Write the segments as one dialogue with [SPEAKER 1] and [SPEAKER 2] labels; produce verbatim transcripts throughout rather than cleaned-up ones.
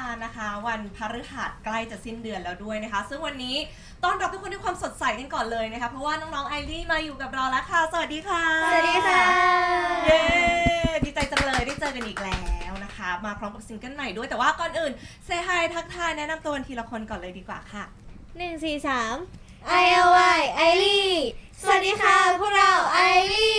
[SPEAKER 1] ารนะคะ วันพฤหัสใกล้จะสิ้นเดือนแล้วด้วยนะคะซึ่งวันนี้ต้อนรับทุกคนด้วยความสดใสกันก่อนเลยนะคะเพราะว่าน้องๆไอรี่มาอยู่กับเราแล้วค่ะสวัสดีค่ะ
[SPEAKER 2] สวัสดีค่ะ
[SPEAKER 1] เย้ดีใจจังเลยได้เจอกันอีกแล้วนะคะมาพร้อมกับซิงเกิลใหม่ด้วยแต่ว่าก่อนอื่นเซฮายทักทายแนะนำตัวกันทีละคนก่อนเลยดีกว่าค่ะ
[SPEAKER 2] หนึ่งสี่สาม ไอ แอล วาย ไอรี่สวัสดีค่ะพวกเราไอรี่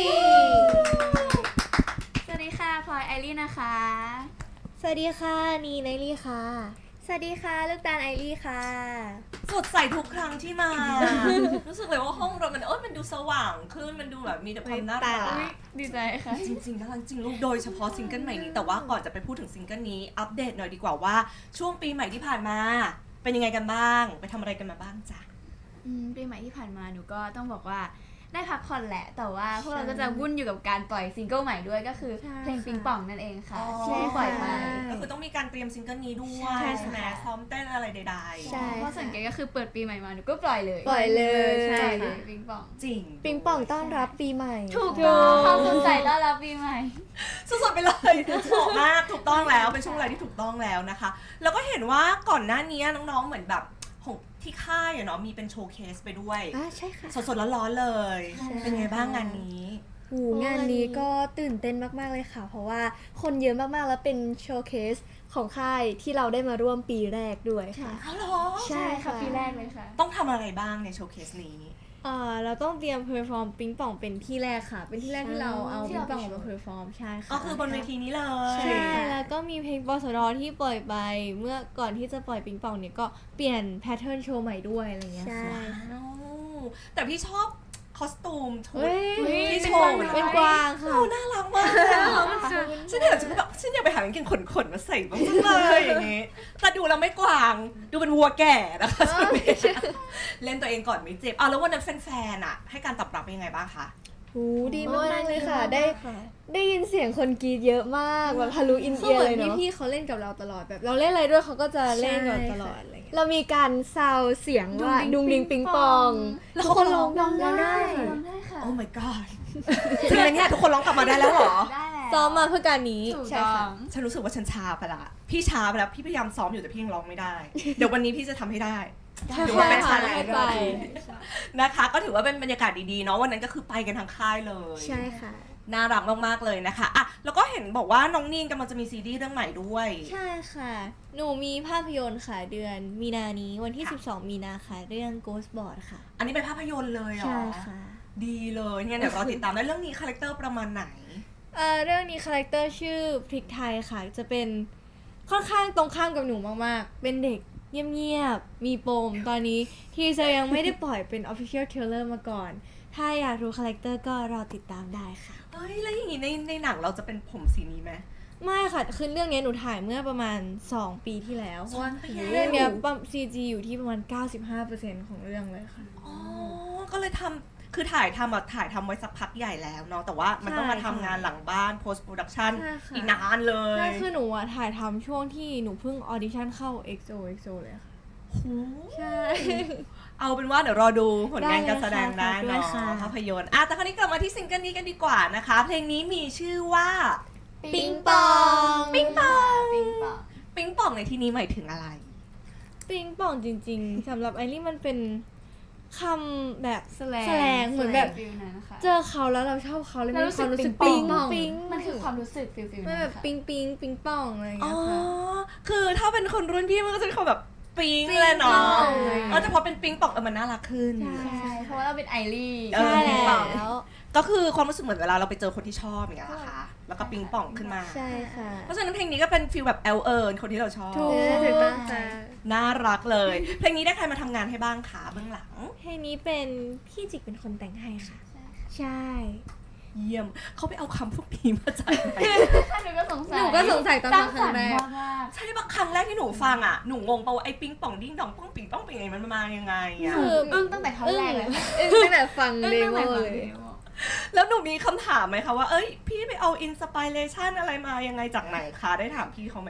[SPEAKER 3] สวัสดีค่ะพลอยไอรี่นะคะ
[SPEAKER 2] สวัสดีค่ะนีไนลี่ค่ะสวัสดีค่ะลูกตาลไอรี่ค่ะ
[SPEAKER 1] สดใสทุกครั้งที่มา รู้สึกเลยว่าห้องเรามันเออมันดูสว่างขึ้นมันดูแบบมีแต่ความน่ารัก
[SPEAKER 3] ดีใจค่ะ
[SPEAKER 1] จริงๆน่ารักจริงลูกโดยเฉพาะซิงเกิลใหม่นี้แต่ว่าก่อนจะไปพูดถึงซิงเกิลนี้อัปเดตหน่อยดีกว่าว่าช่วงปีใหม่ที่ผ่านมาเป็นยังไงกันบ้างไปทำอะไรกันมาบ้างจ้ะ
[SPEAKER 3] ปีใหม่ที่ผ่านมาหนูก็ต้องบอกว่าได้พักผ่อนแหละแต่ว่าพวกเราก็จะวุ่นอยู่กับการปล่อยซิงเกิลใหม่ด้วยก็คือเพลงปิงป่องนั่นเองค่ะที่ปล่อยไป
[SPEAKER 1] ก็คือต้องมีการเตรียมซิงเกิลนี้ด้วย
[SPEAKER 3] ใช่
[SPEAKER 1] ใช่ไหมซ้อมเต้นอะไรใดๆ
[SPEAKER 3] ใช่เพราะสังเกตก็คือเปิดปีใหม่มาหนูก็ปล่อยเลย
[SPEAKER 2] ปล่อยเลย
[SPEAKER 3] ใช่
[SPEAKER 2] ใช่
[SPEAKER 3] เล
[SPEAKER 2] ค่ะ
[SPEAKER 3] ยปิงป่อง
[SPEAKER 1] จริง
[SPEAKER 2] ปิงป่องต้อนรับปีใหม่
[SPEAKER 3] ถูกต้องความสดใสต้อนรับปีใหม่
[SPEAKER 1] สุดๆไปเลยเหมาะมากถูกต้องแล้วเป็นช่วงเวลาที่ถูกต้องแล้วนะคะแล้วก็เห็นว่าก่อนหน้านี้น้องๆเหมือนแบบของที่ค่ายอะเนาะมีเป็นโชว์เคสไปด้วย
[SPEAKER 2] อ่าใช่ค่ะ
[SPEAKER 1] สดๆร้อนๆเลยเป็นไงบ้างงานนี้
[SPEAKER 2] หูงานนี้ก็ตื่นเต้นมากๆเลยค่ะเพราะว่าคนเยอะมากๆแล้วเป็นโชว์เคสของค่ายที่เราได้มาร่วมปีแรกด้วยค่ะ
[SPEAKER 1] อ๋อเหรอ
[SPEAKER 2] ใช่ค่ะ
[SPEAKER 3] ปีแรกเลยค่ะ
[SPEAKER 1] ต้องทำอะไรบ้างในโชว์เคสนี้
[SPEAKER 2] เอ่อเราต้องเตรียมเพอร์ฟอร์มปิงป่องเป็นที่แรกค่ะเป็นที่แรกที่เราเอาปิงป่องมาเพอร์ฟอร์มใช่ค่ะ
[SPEAKER 1] ก็คือบนเวทีนี้เลย
[SPEAKER 2] ใช่แล้วก็มีเพลงปสดที่ปล่อยไปเมื่อก่อนที่จะปล่อยปิงป่องเนี่ยก็เปลี่ยนแพทเทิร์นโชว์ใหม่ด้วยอะไรเงี้ยค่ะ
[SPEAKER 1] แต่พี่ชอบคอสตูมชุด
[SPEAKER 2] ที่
[SPEAKER 1] โช
[SPEAKER 2] โช
[SPEAKER 1] ว์
[SPEAKER 2] ว์เป็นกวางค่ะ
[SPEAKER 1] โอ้น่ารักมากเลยฉันอยากจะแบบฉันอยากไปหากางเกงขนๆมาใส่บ้างจังเลยอย่างงี้แต่ดูเราไม่กวางดูเป็นวัวแก่นะคะเล่นตัวเองก่อนไม่เจ็บเอาแล้ววันนั้นแฟนๆอะให้การตอบรับเป็นยังไงบ้างคะ
[SPEAKER 2] หูดีมากเลยค่ะได้ได้ยินเสียงคนกรีดเยอะมากแบบทะลุอินเอียร์เลยเนาะพี่เขาเล่นกับเราตลอดแบบเราเล่นอะไรด้วยเขาก็จะเล่นกับเราตลอดอะไรเงี้ยเรามีการซาวเสียงว่าดุงดิงปิงปองแล้วทุกคนร้องได้
[SPEAKER 3] ร้องได้ค่ะ
[SPEAKER 1] โอ้ my god จริงไหมเนี่ยทุกคนร้องกลับมาได้แล้วเหรอ
[SPEAKER 3] ได้แล้ว
[SPEAKER 2] ซ้อมมาเพื่อการนี้
[SPEAKER 3] ใช่ค่ะ
[SPEAKER 1] ฉันรู้สึกว่าฉันช้าไปละพี่ช้าไปแล้วพี่พยายามซ้อมอยู่แต่พี่ยังร้องไม่ได้เดี๋ยววันนี้พี่จะทำให้ได้ถือว่าเป็นชาเลนจ์นะคะก็ถือว่าเป็นบรรยากาศดีๆเนาะวันนั้นก็คือไปกันทั้งค่ายเลย
[SPEAKER 2] ใช่ค่ะ
[SPEAKER 1] น่ารักมากๆเลยนะคะอ่ะแล้วก็เห็นบอกว่าน้องนีนกำลังจะมีซีรีส์เรื่องใหม่ด้วย
[SPEAKER 2] ใช่ค่ะหนูมีภาพยนตร์ค่ะเดือนมีนานี้วันที่สิบสองมีนาค่ะเรื่อง Ghost Board ค่ะ
[SPEAKER 1] อันนี้เป็นภาพยนตร์เลยเหรอ
[SPEAKER 2] ใช่ค่ะ
[SPEAKER 1] ดีเลยงั้นเดี๋ยวรอติดตามได้เรื่องนี้คาแรคเตอร์ประมาณไหน
[SPEAKER 2] เอ่อเรื่องนี้คาแรคเตอร์ชื่อพริกไทยค่ะจะเป็นค่อนข้างตรงข้ามกับหนูมากๆเป็นเด็กเงียบๆมีปมตอนนี้ทีเซอร์ยังไม่ได้ปล่อยเป็น Official Trailer มาก่อนถ้าอยากรู้คาแรคเตอร์ก็รอติดตามได้ค่ะ
[SPEAKER 1] เฮ้ยแล้วอย่างงี้ในในหนังเราจะเป็นผมสีนี้ไหม
[SPEAKER 2] ไม่ค่ะคือเรื่องนี้หนูถ่ายเมื่อประมาณสองปีที่แล้วเพราะว่า
[SPEAKER 1] เรื่
[SPEAKER 2] เรื่
[SPEAKER 1] อ
[SPEAKER 2] อง ง
[SPEAKER 1] เนี้
[SPEAKER 2] เนี้
[SPEAKER 1] ย
[SPEAKER 2] ยปั๊ม ซี จี อยู่ที่ประมาณ เก้าสิบห้าเปอร์เซ็นต์ ของเรื่องเลยค่ะ
[SPEAKER 1] อ๋อก็เลยทำคือถ่ายทำอะถ่ายทำไว้สักพักใหญ่แล้วเนาะแต่ว่ามันต้องมาทำงานหลังบ้าน post production อีกนานเลย
[SPEAKER 2] ใช่คือหนูอะถ่ายทำช่วงที่หนูเพิ่งออดิชั่นเข้า เอ็กซ์ โอ เอ็กซ์ โอ เลยค่ะใช่
[SPEAKER 1] เอาเป็นว่าเดี๋ยวรอดูผลงานการแสดงได้
[SPEAKER 2] ได้
[SPEAKER 1] เนาะ
[SPEAKER 2] ค่ะ
[SPEAKER 1] ภาพยนตร์อ่ะแต่คราวนี้กลับมาที่ซิงเกิลนี้กันดีกว่านะคะเพลงนี้มีชื่อว่า
[SPEAKER 2] ปิงปอง
[SPEAKER 1] ปิงปอง
[SPEAKER 3] ปิงปอง
[SPEAKER 1] ปิงปองในที่นี้หมายถึงอะไร
[SPEAKER 2] ปิงปองจริงๆสำหรับไอรี่มันเป็นคำแบบ
[SPEAKER 3] แสลง
[SPEAKER 2] แสลงเหมือนแบบเจอเขาแล้วเราชอบเขาเลยมีความรู้สึกปิงปิง
[SPEAKER 3] มันคือความรู้สึกฟิลฟิล
[SPEAKER 2] มันแบบปิงปิงปิงปองอะไรอย่าง
[SPEAKER 1] อ๋
[SPEAKER 2] เงี้
[SPEAKER 1] อย
[SPEAKER 2] ค่ะ
[SPEAKER 1] คือถ้าเป็นคนรุ่นพี่มันก็จะเป็นคนแบบปิงเลยเนาะเออแต่พอเป็นปิงปองเออมันน่ารักขึ้น
[SPEAKER 3] ใช่เพราะว่าเราเป็นไอรี่
[SPEAKER 1] ใช่แล้วก็คือความรู้สึกเหมือนเวลาเราไปเจอคนที่ชอบอย่างเงี้ยนะคะแล้วก็ปิงป่องขึ้นมา
[SPEAKER 2] ใช่ค่ะ
[SPEAKER 1] เพราะฉะนั้นเพลงนี้ก็เป็นฟีลแบบเอลเอิร์นคนที่เราชอบ
[SPEAKER 2] ถูกถูกต้องค่ะ
[SPEAKER 1] น่ารักเลยเพลงนี้ได้ใครมาทำงานให้บ้างคะเบื้องหลัง
[SPEAKER 2] เพลงนี้เป็นพี่จิกเป็นคนแต่งให้ค่ะใช่
[SPEAKER 1] เยี่ยมเขาไปเอาคำพวกนี้มาจากไหน
[SPEAKER 3] หนูก็สงสัย
[SPEAKER 2] หนูก็สงสัยตอนฟังครั้งแรก
[SPEAKER 1] ใช่ปะครั้งแรกที่หนูฟังอ่ะหนูงงปะว่าไอ้ปิงป่องดิ้งดองป้องปิงป้องเป็นไงมันมายังไงอ่ะ
[SPEAKER 2] คือ
[SPEAKER 3] อึ้งตั้งแต่ท่อนแรกเลย
[SPEAKER 2] ตั้งแต่ฟังเดโมเลย
[SPEAKER 1] แล้วหนูมีคำถามไหมคะว่าเอ้ยพี่ไปเอาอินสปิเรชันอะไรมายังไงจากไหนคะได้ถามพี่เขาไหมคะ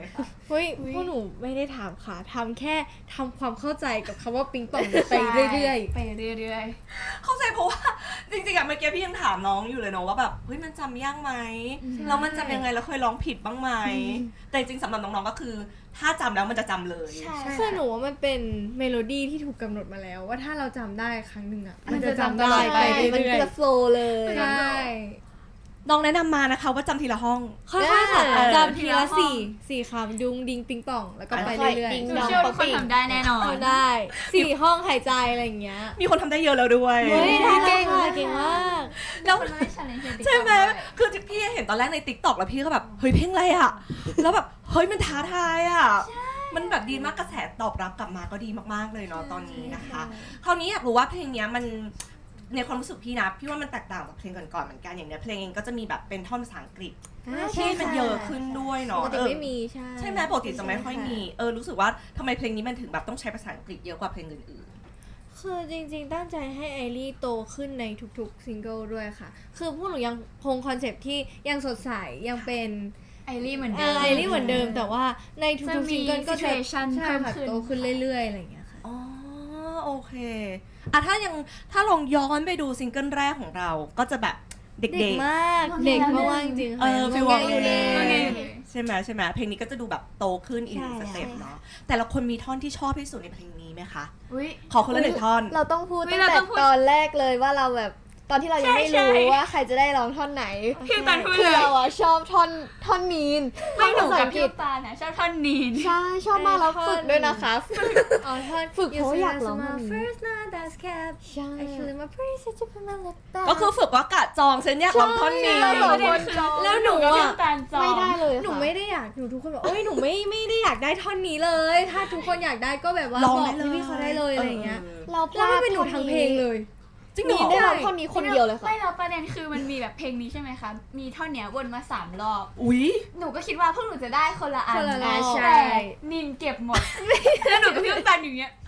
[SPEAKER 2] เฮ้ยพวกหนูไม่ได้ถามค่ะทำแค่ทำความเข้าใจกับคำว่าปิงปองไปเรื่อย
[SPEAKER 3] ๆไปเรื่อย
[SPEAKER 1] เข้าใจเพราะว่าจริงๆอะเมื่อกี้พี่ยังถามน้องอยู่เลยเนาะว่าแบบเฮ้ยมันจำยากไหมแล้วมันจำยังไงแล้วเคยร้องผิดบ้างไหมแต่จริงๆสำหรับน้องๆก็คือถ้าจำแล้วมันจะจำเลย
[SPEAKER 3] ๆใช่
[SPEAKER 2] ๆคือหนูว่ามันเป็นเมโลดี้ที่ถูกกำหนดมาแล้ว ว่าถ้าเราจำได้ครั้งหนึ่งอ่ะมันจะจำได้ไป
[SPEAKER 4] มัน
[SPEAKER 2] เรื่อย
[SPEAKER 4] จะโฟลว์เลย
[SPEAKER 2] ๆใช่
[SPEAKER 1] น้องแนะนำมานะคะว่าจำทีละห้อง
[SPEAKER 2] ค่อยๆค่ะ
[SPEAKER 1] เออ
[SPEAKER 2] จำทีละสี่สี่คำดุงดิงปิงป่องแล้วก็ไปเรื่อย
[SPEAKER 4] ดิง
[SPEAKER 3] ห
[SPEAKER 4] ด
[SPEAKER 3] นู
[SPEAKER 4] อง
[SPEAKER 3] เชื่อ
[SPEAKER 4] ป๊
[SPEAKER 3] ว่า
[SPEAKER 4] อป
[SPEAKER 3] ทุกคน
[SPEAKER 4] ปี้
[SPEAKER 3] ทำได้แน่นอน
[SPEAKER 2] ๆทำได้สี่ห้องหายใจอะไรอย่างเงี้ย
[SPEAKER 1] มีคนทำได้เยอะแล้วด้วย
[SPEAKER 2] เฮ้ยได้
[SPEAKER 4] เก่
[SPEAKER 2] เก่
[SPEAKER 4] ง
[SPEAKER 2] ง
[SPEAKER 4] มาก
[SPEAKER 2] เก่งมาก
[SPEAKER 1] แล้ว
[SPEAKER 3] คนไม่ได้ challenge ใน TikTok
[SPEAKER 1] ใช่ไหม
[SPEAKER 3] ด้วย
[SPEAKER 1] คือพี่เห็นตอนแรกในติ๊กต็อกแล้วพี่ก็แบบเฮ้ยเพลงอะไรอะแล้วแบบเฮ้ยมันท้าทายอะมันแบบดีมากกระแสตอบรับกลับมาก็ดีมากๆเลยเนาะตอนนี้นะคะ คราวนี้อยากรู้ว่าเพลงเนี้ยมันในความรู้สึกพี่นะพี่ว่ามันแตกต่างจากเพลงก่อนๆเหมือนกันอย่างเนี้ยเพลงเองก็จะมีแบบเป็นท่อนภาษาอังกฤษ
[SPEAKER 2] อ่า
[SPEAKER 1] ที่มันเยอะขึ้นด้วย
[SPEAKER 2] ป
[SPEAKER 1] เนาะ
[SPEAKER 2] กติ
[SPEAKER 1] เออ
[SPEAKER 2] ไม่มีใช่
[SPEAKER 1] ใช่ไหมปกติจะไม่ค่อยมีเออรู้สึกว่าทำไมเพลงนี้มันถึงแบบต้องใช้ภาษาอังกฤษเยอะกว่าเพลงอื่น
[SPEAKER 2] คือจริงๆ ตั้งใจให้ไอรีโตขึ้นในทุกๆซิงเกิลด้วยค่ะ คือพวกหนูยังคงคอนเซปต์ที่ยังสดใสยังเป็น
[SPEAKER 3] ไอรี่เหมือน
[SPEAKER 2] เอ
[SPEAKER 3] เดิ
[SPEAKER 2] อ
[SPEAKER 3] ม
[SPEAKER 2] ไอรีเหมือนเดิมแต่ว่าในทุ
[SPEAKER 3] จะ
[SPEAKER 2] กๆ
[SPEAKER 3] มี
[SPEAKER 2] ซิงเกิลก็จะ
[SPEAKER 3] situation
[SPEAKER 2] ใช่
[SPEAKER 3] เพิ่ม
[SPEAKER 2] ค่ะ
[SPEAKER 3] ขึ้น
[SPEAKER 2] โตขึ้นเรื่อยๆอะไรอย่างเงี้ยค่ะ
[SPEAKER 1] ๆอ๋อโอเคอ่ะถ้ายังถ้าลองย้อนไปดูซิงเกิลแรกของเราก็จะแบบเด็ก
[SPEAKER 2] เด็กมาก
[SPEAKER 3] งอแง
[SPEAKER 2] เด็กมากๆจริงๆ
[SPEAKER 1] เอ
[SPEAKER 2] ค่ะ
[SPEAKER 1] อฟีล
[SPEAKER 2] ง
[SPEAKER 1] ว
[SPEAKER 2] อแงอยู่เลย
[SPEAKER 3] งอแง
[SPEAKER 1] ๆใช่ไหมใช่ไหมเพลงนี้ก็จะดูแบบโตขึ้นอีกหนึ่งสเต็ปเนาะแต่ละคนมีท่อนที่ชอบที่สุดในเพลงนี้ไหมคะ
[SPEAKER 3] อุ้ย
[SPEAKER 1] ขอคนละหนึ่งท่อน
[SPEAKER 4] เราต้องพูด
[SPEAKER 3] เฮ้
[SPEAKER 4] ตั้
[SPEAKER 3] ย
[SPEAKER 4] ง
[SPEAKER 3] เรา
[SPEAKER 4] แต่
[SPEAKER 3] ต้องพูด
[SPEAKER 4] ตอนแรกเลยว่าเราแบบตอนที่เรายังไม่
[SPEAKER 3] ใช่
[SPEAKER 4] รู้
[SPEAKER 3] ใช่
[SPEAKER 4] ว่าใครจะได้ร้องท่อนไหน
[SPEAKER 3] พี่ตันพูด
[SPEAKER 4] คือ
[SPEAKER 3] เลย
[SPEAKER 4] เราอะชอบท่อนท่อนนีน
[SPEAKER 3] ไม่หนู
[SPEAKER 4] ภาษา
[SPEAKER 3] กับ
[SPEAKER 4] อังก
[SPEAKER 3] พี่
[SPEAKER 4] ฤษ
[SPEAKER 3] ตาลนะชอบท่อนนีน
[SPEAKER 4] ใช่ชอบมากแล้ว
[SPEAKER 2] ท่อน
[SPEAKER 4] ฝึกด้วยนะคะ
[SPEAKER 2] อ๋อท่อน
[SPEAKER 4] ฝึกเพราะอยากร้อง
[SPEAKER 2] มา
[SPEAKER 4] ท่อนนี้
[SPEAKER 2] first night that's cap
[SPEAKER 4] ใช่
[SPEAKER 2] actually my praise is to put my lip back
[SPEAKER 1] ก็คือฝึกว่ากะจองฉันอยากร้องท่อนนี้
[SPEAKER 4] เราสองคน
[SPEAKER 2] แล้วหนู
[SPEAKER 3] กับ
[SPEAKER 2] อะ
[SPEAKER 3] พี่ตาลจอง
[SPEAKER 4] ไม่ได้เลย
[SPEAKER 2] หนู
[SPEAKER 4] ค่ะ
[SPEAKER 2] ไม่ได้อยากหนูทุกคนบอกโอ้ยหนูไม่ไม่ได้อยากได้ท่อนนี้เลย ถ้าทุกคนอยากได้ก็แบบว่า
[SPEAKER 1] ลอง
[SPEAKER 2] บอก
[SPEAKER 1] ได้เลย
[SPEAKER 2] พี่ๆเขาได้เลยอะไรอย่างเงี้ย
[SPEAKER 4] เราพ
[SPEAKER 2] แล้ว
[SPEAKER 4] ลา
[SPEAKER 2] ไม่
[SPEAKER 4] ด
[SPEAKER 2] เป็นหนูทั้งเพลงเลย
[SPEAKER 1] จริงเหร
[SPEAKER 4] นี
[SPEAKER 1] อน
[SPEAKER 4] ได้ร้องท่อนนี้คนเดียวเลยค่ะ
[SPEAKER 3] ไม่แล้วประเด็นคือมันมีแบบเพลงนี้ใช่ไหมคะ มีท่อนเนี้ยวนมาสามรอบ
[SPEAKER 1] อุ๊ย
[SPEAKER 3] หนูก็คิดว่าพวกหนูจะได้คนละอัน
[SPEAKER 2] คนละรอบ
[SPEAKER 3] แต่นินเก็บหมด แล้วหนูกับพี่ตาลอยู่เนี้ย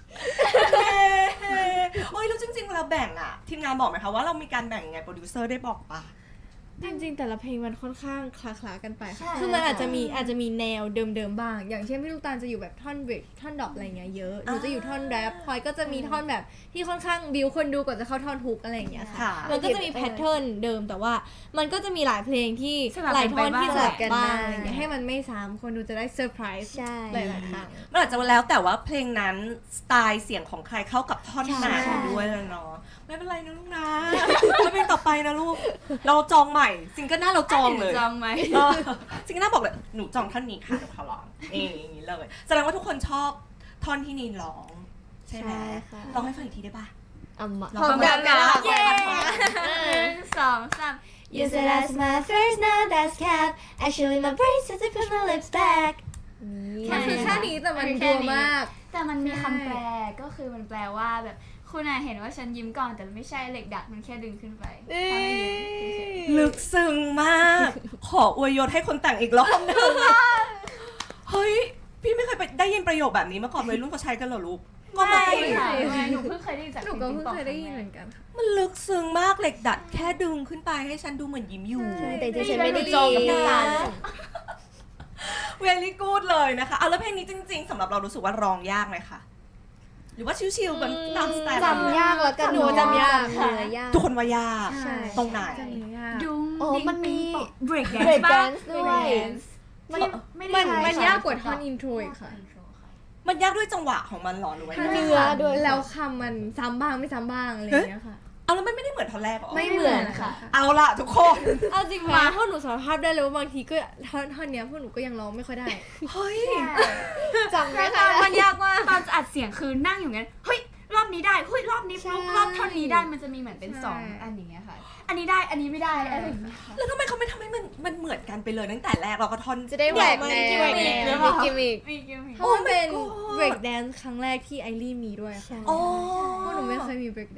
[SPEAKER 1] โอ้ยแล้วจริงๆเราแบ่งอะทีมงานบอกไหมคะว่าเรามีการแบ่งยังไงโปรดิวเซอร์ได้บอกปะ
[SPEAKER 2] จริงๆ แต่ละเพลงมันค่อนข้างคล้าๆกันไป
[SPEAKER 3] ใช่
[SPEAKER 2] ค่ะคือมันอาจจะมีอาจจะมีแนวเดิมๆบ้าง อย่างเช่นพี่ลูกตาลจะอยู่แบบท่อนเบรกท่อนดรอปอะไรเงี้ยเยอะ หนูจะอยู่ท่อนแรปพลอยก็จะมีท่อนแบบที่ค่อนข้างบิวคนดูก่อนจะเข้าท่อนฮุกอะไรอย่างเงี้ยค่ะ
[SPEAKER 1] ค่ะ
[SPEAKER 2] มันก็จะมีแพทเทิร์นเดิมแต่ว่ามันก็จะมีหลายเพลงที่
[SPEAKER 3] สลับ
[SPEAKER 2] หลาย
[SPEAKER 3] กัน
[SPEAKER 2] ท่อน
[SPEAKER 3] ไปบ้าง
[SPEAKER 2] ที่สลับกันบ้าง
[SPEAKER 4] สลับกันบ้าง
[SPEAKER 2] อะไรเงี้ยให้มันไม่ซ้ำคนดูจะได้เซอร์ไพรส์
[SPEAKER 4] ใช่
[SPEAKER 2] หลายๆครั้ง
[SPEAKER 1] มันอาจจะแล้วแต่ว่าเพลงนั้นสไตล์เสียงของใครเข้ากับท่อนไหน
[SPEAKER 4] ใช่
[SPEAKER 1] ด้วยเลยเนาะไม่เป็นไรนะลูกนะไม่เป็นต่อไปนะลูก เราจองใหม่ซิงเกิลหน้าเราจองเลย
[SPEAKER 3] จองไหม
[SPEAKER 1] เออซิงเกิลหน้าบอกเลยหนูจองท่อนนี้ค่ะเดี๋ยวเขาร้องนี่อย่างนี้เลยแสดงว่าทุกคนชอบท่อนที่นีนร้องใช่ไหม
[SPEAKER 4] ใช่ค่ะ
[SPEAKER 1] ร้องให้ฟังอีกทีได้ปะ
[SPEAKER 4] อ่ะมา
[SPEAKER 1] พร้อมกัน
[SPEAKER 4] นะ
[SPEAKER 1] เย้
[SPEAKER 3] หนึ่งสองสาม
[SPEAKER 4] You said that's my first now that's cap Actually my brace says to put my lips back
[SPEAKER 2] มันคือแค่นี้แต่มัน
[SPEAKER 3] คือแค่
[SPEAKER 2] ดัว
[SPEAKER 3] นี้
[SPEAKER 2] มาก
[SPEAKER 3] แต่มันมี
[SPEAKER 2] ใช่
[SPEAKER 3] คำแปลก็คือมันแปลว่าแบบคุณอาเห็นว่าฉันยิ้มก่อนแต่ไม่ใช่เหล็กดัดมันแค่ดึงขึ้นไปทำให้ยิ้มเฉย
[SPEAKER 1] ลึกซึ้งมาก ขออวยยศให้คนแต่งอีกรอบหนึงเฮ้ย พี่ไม่เคยไปได้ยินประโยคแบบนี้มาก่อนวัยรุ่นเขาใช้กันเหรอลูก
[SPEAKER 3] ๆ
[SPEAKER 1] ว่า
[SPEAKER 3] ไม่
[SPEAKER 1] มัน
[SPEAKER 3] ค่ะไม่หนูเพิ่งเคยได้ยินจาก
[SPEAKER 2] หนูก็เพิ่ง
[SPEAKER 3] ปิ
[SPEAKER 2] เคยได้ยิน
[SPEAKER 3] ป
[SPEAKER 2] เห
[SPEAKER 3] อ
[SPEAKER 2] มื
[SPEAKER 3] ง
[SPEAKER 2] อนกันค่ะ
[SPEAKER 1] มันลึกซึ้งมากเหล็กดัดแค่ดึงขึ้นไปให้ฉันดูเหมือนยิ้มอยู่
[SPEAKER 4] ใช่แต่จริงๆฉันไม่ได้
[SPEAKER 3] จองกับพี่ตาล
[SPEAKER 1] เวลี่กูดเลยนะคะเอาแล้วเพลงนี้จริง ๆสำหรับเรารู้สึกว่าร้องยากไหมคะหรือว่าชิวๆกันตามสไตล์
[SPEAKER 4] จำยากแล้วกัน
[SPEAKER 2] หนูจำยาก
[SPEAKER 4] เนื้อยาก
[SPEAKER 1] ทุกคนว่ายาก
[SPEAKER 4] ใช่
[SPEAKER 1] ตรงไหน
[SPEAKER 2] จำเนื้อยาก
[SPEAKER 3] ดุ้ง
[SPEAKER 4] โอ้มันมี
[SPEAKER 3] เบรกแดน
[SPEAKER 4] break
[SPEAKER 3] ซ์ป่ะ
[SPEAKER 4] dance ด้วย
[SPEAKER 3] ไม่
[SPEAKER 2] มัน
[SPEAKER 3] ได้
[SPEAKER 2] มัน
[SPEAKER 3] ใช่
[SPEAKER 2] ยากกว่าท่อนอินโทรอีกค่ะ
[SPEAKER 1] มันยากด้วยจังหวะของมันเหรอหรือว่ายังไง
[SPEAKER 4] เนื้อด้วย
[SPEAKER 2] แล้วคำมันซ้ำบ้างไม่ซ้ำบ้างอะไรอย่างเงี้ยค่ะ
[SPEAKER 1] เอาแล้วมันไม่ได้เหมือนท่อนแรกเหรอ
[SPEAKER 2] ไม่เหมือนค่ะ
[SPEAKER 1] เอาละทุกคน
[SPEAKER 2] เอาจริงมาพวกหนูสารภาพได้เลยว่าบางทีก็ท่อนท่อนเนี้ยพวกหนูก็ยังร้องไม่ค่อยได้
[SPEAKER 1] เฮ้ย
[SPEAKER 4] จำไม่
[SPEAKER 3] แต่
[SPEAKER 4] ค่อย
[SPEAKER 3] ตอน
[SPEAKER 4] ได้
[SPEAKER 3] มันยากมากตอนอัดเสียงคือนั่งอยู่งั้นเฮ้ยรอบนี้ได้เฮ้ยรอบนี้ฟลุก
[SPEAKER 4] ใช่
[SPEAKER 3] รอบท่อนนี้ได้มันจะมีเหมือนเป็น
[SPEAKER 2] ใช่
[SPEAKER 3] สองอันอย่างเงี้ยค่ะ อันนี้ได้อันนี้ไม่ได้อะไรอย่างเงี้ยค่ะ
[SPEAKER 1] แล้วทำไมเขาไม่ทำให้มันมันเหมือนกันไปเลยตั้งแต่แรกเราก็ท่อน
[SPEAKER 4] จะได้แหวกแนว
[SPEAKER 2] แหวกแนว
[SPEAKER 4] มีกิมมิค
[SPEAKER 3] มีกิมมิค
[SPEAKER 2] เพราะมันเป็น
[SPEAKER 1] Oh my god
[SPEAKER 2] break dance ครั้งแรกที่ไอรี่มีด้วยค่ะ
[SPEAKER 1] อ๋อ
[SPEAKER 2] พวกหนูไม่เคยมี break dance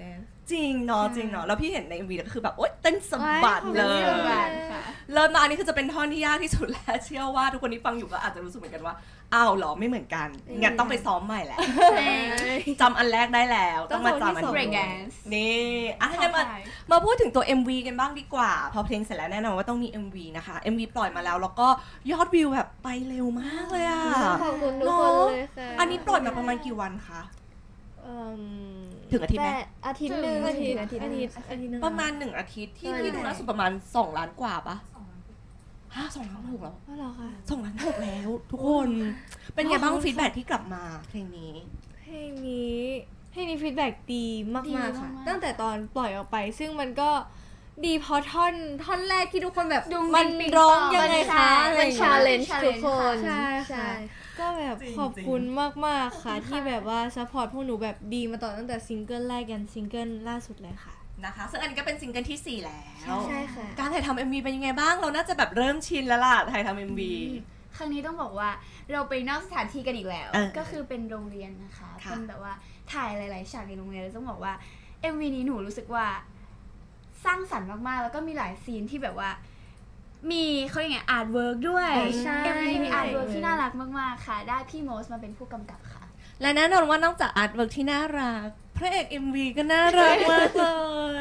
[SPEAKER 1] จริงเนาะจริงเนาะแล้วพี่เห็นใน เอ็ม วีก็คือแบบโอ๊ยเต้นสะบัดเลย
[SPEAKER 2] โอ๊ย
[SPEAKER 3] บ้านค่ะ
[SPEAKER 1] เริ่มมาอันนี้คือจะเป็นท่อนที่ยากที่สุดแล้วเชื่อว่าทุกคนที่ฟังอยู่ก็อาจจะรู้สึกเหมือนกันว่าอ้าวเหรอไม่เหมือนกันงั้นต้องไปซ้อมใหม่แหละจำอันแรกได้แล้วต้องมาจำอัน
[SPEAKER 2] ต้อง
[SPEAKER 3] break
[SPEAKER 1] นี้
[SPEAKER 3] dance
[SPEAKER 1] นี่อ่ะถ้างั้นมามาพูดถึงตัว เอ็ม วี กันบ้างดีกว่าพอเพลงเสร็จแล้วแน่นอนว่าต้องมี เอ็ม วี นะคะ เอ็ม วี ปล่อยมาแล้วแล้วก็ยอดวิวแบบไปเร็วมากเลยอ่ะ
[SPEAKER 2] ขอบคุณทุกคนเลยค่ะ
[SPEAKER 1] อันนี้ปล่อยมาประมาณกี่วันคะ
[SPEAKER 2] เอิ่ม
[SPEAKER 1] ถึงอาทิตย์ไหม
[SPEAKER 4] แต่อาทิตย์หนึ่ง
[SPEAKER 2] อาทิตย์
[SPEAKER 4] อาทิตย์
[SPEAKER 2] อา
[SPEAKER 4] ห
[SPEAKER 2] ทิ
[SPEAKER 4] นึ่
[SPEAKER 2] ต
[SPEAKER 4] ง
[SPEAKER 2] ย์อาทิตย์หนึง
[SPEAKER 1] ประมาณหนึ่งอาทิตย์ที่
[SPEAKER 2] ใช่
[SPEAKER 1] ที่ดูล่าสุดประมาณสองล้านกว่าปะฮะสองล้านหกแล้ว
[SPEAKER 2] อ๋อเหรอคะ
[SPEAKER 1] สองล้านหกแล้วทุกคนเป็นไงบ้างฟีดแบ็ที่กลับมาเพลงนี้
[SPEAKER 2] เพลงนี้เพลงนี้ฟีดแบ็ดีมาก
[SPEAKER 3] ดี
[SPEAKER 2] มากค่ะ
[SPEAKER 3] มากๆ
[SPEAKER 2] ตั้งแต่ตอนปล่อยออกไป ซึ่งมันก็ดีเพราะท่อนท่อนแรกที่ทุกคนแบบ
[SPEAKER 3] ดุง
[SPEAKER 2] มัน
[SPEAKER 3] ปิ๊ง
[SPEAKER 2] ร้อง
[SPEAKER 3] ปอง
[SPEAKER 2] ยังไง
[SPEAKER 3] มัน
[SPEAKER 2] คะอะไร
[SPEAKER 4] มัน
[SPEAKER 2] อย่าง
[SPEAKER 4] ชา
[SPEAKER 2] เงี้ย
[SPEAKER 4] เลนจ์ทุกคน
[SPEAKER 2] ใช่
[SPEAKER 4] ใช่
[SPEAKER 2] ค่ะ ก็แบบ
[SPEAKER 1] จริงๆ
[SPEAKER 2] ขอบคุณมาก ๆ ค่ะ ที่แบบว่าซัพพอร์ตพวกหนูแบบดีมาต่อตั้งแต่ซิงเกิลแรกยันซิงเกิลล่าสุดเลยค่ะ
[SPEAKER 1] นะคะซึ่งอันนี้ก็เป็นซิงเกิลที่สี่แล้ว
[SPEAKER 4] ใช่ค่ะ
[SPEAKER 1] การถ่ายทำ เอ็ม วี เป็นยังไงบ้างเราน่าจะแบบเริ่มชินแล้วล่ะถ่ายทำ เอ็ม วี
[SPEAKER 3] ครั้งนี้ต้องบอกว่าเราไปนอกสถานที่กันอีกแล้ว
[SPEAKER 1] เออ
[SPEAKER 3] ก็คือเป็นโรงเรียนนะคะ
[SPEAKER 1] ค่ะ
[SPEAKER 3] เป็นแบบว่าถ่ายหลาย ๆ ฉากในโรงเรียนแล้วต้องบอกว่า เอ็ม วี นี้หนูรู้สึกว่าสร้างสรรค์มาก ๆ แล้วก็มีหลายซีนที่แบบว่า มีเขาเรียกไงอาร์ตเวิร์กด้วย
[SPEAKER 2] ใช่
[SPEAKER 3] เอ็ม วี มีอาร์ตเวิร์กที่น่ารักมาก ๆ ค่ะ ได้พี่โมสมาเป็นผู้กำกับค่ะ
[SPEAKER 1] และแน่นอนว่านอกจากอาร์ตเวิร์กที่น่ารักพระเอก เอ็ม วี ก็น่ารักมากเลย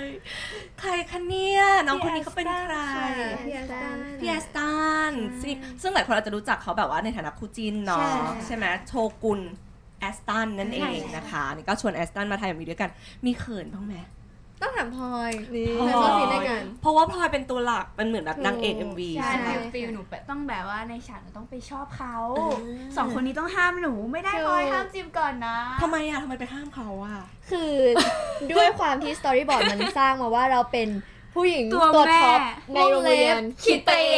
[SPEAKER 1] ใครคะเนี่ยน้องคนนี้เขาเป็นใคร
[SPEAKER 2] พี่แอสตัน
[SPEAKER 1] พี่แอสตันซึ่งซึ่งหลายคนอาจจะรู้จักเขาแบบว่าในฐานะคู่จิ้นเนาะ
[SPEAKER 4] ใช่
[SPEAKER 1] ใช่ไหมโชกุนแอสตันนั่นเองนะคะนี่ก็ชวนแอสตันมาถ่าย เอ็ม วี ด้วยกันมีเขินบ้างไหม
[SPEAKER 2] ต้องถามพลอยนี่
[SPEAKER 1] พลอย
[SPEAKER 2] แล้วก็ซีนด้วยกัน
[SPEAKER 1] เพราะว่าพลอยเป็นตัวหลักเป็นเหมือนแบบนางเอก เอ็ม วี
[SPEAKER 3] ใช่
[SPEAKER 1] ใช่ไหม
[SPEAKER 3] ฟิลฟิลหนูแบบต้องแบบว่าในฉากหนูต้องไปชอบเขาสองคนนี้ต้องห้ามหนูไม่ได้พลอยห้ามจิมก่อนนะ
[SPEAKER 1] ทำไมอะทำไมไปห้ามเขาอะ
[SPEAKER 4] คือด้วยความที่สตอรี่บอร์ดมันสร้างมาว่าเราเป็นผู้หญิง
[SPEAKER 3] ตัว
[SPEAKER 4] ตัว
[SPEAKER 3] แม่
[SPEAKER 4] ท็อปในโรงเรียน
[SPEAKER 3] คิดไปเอง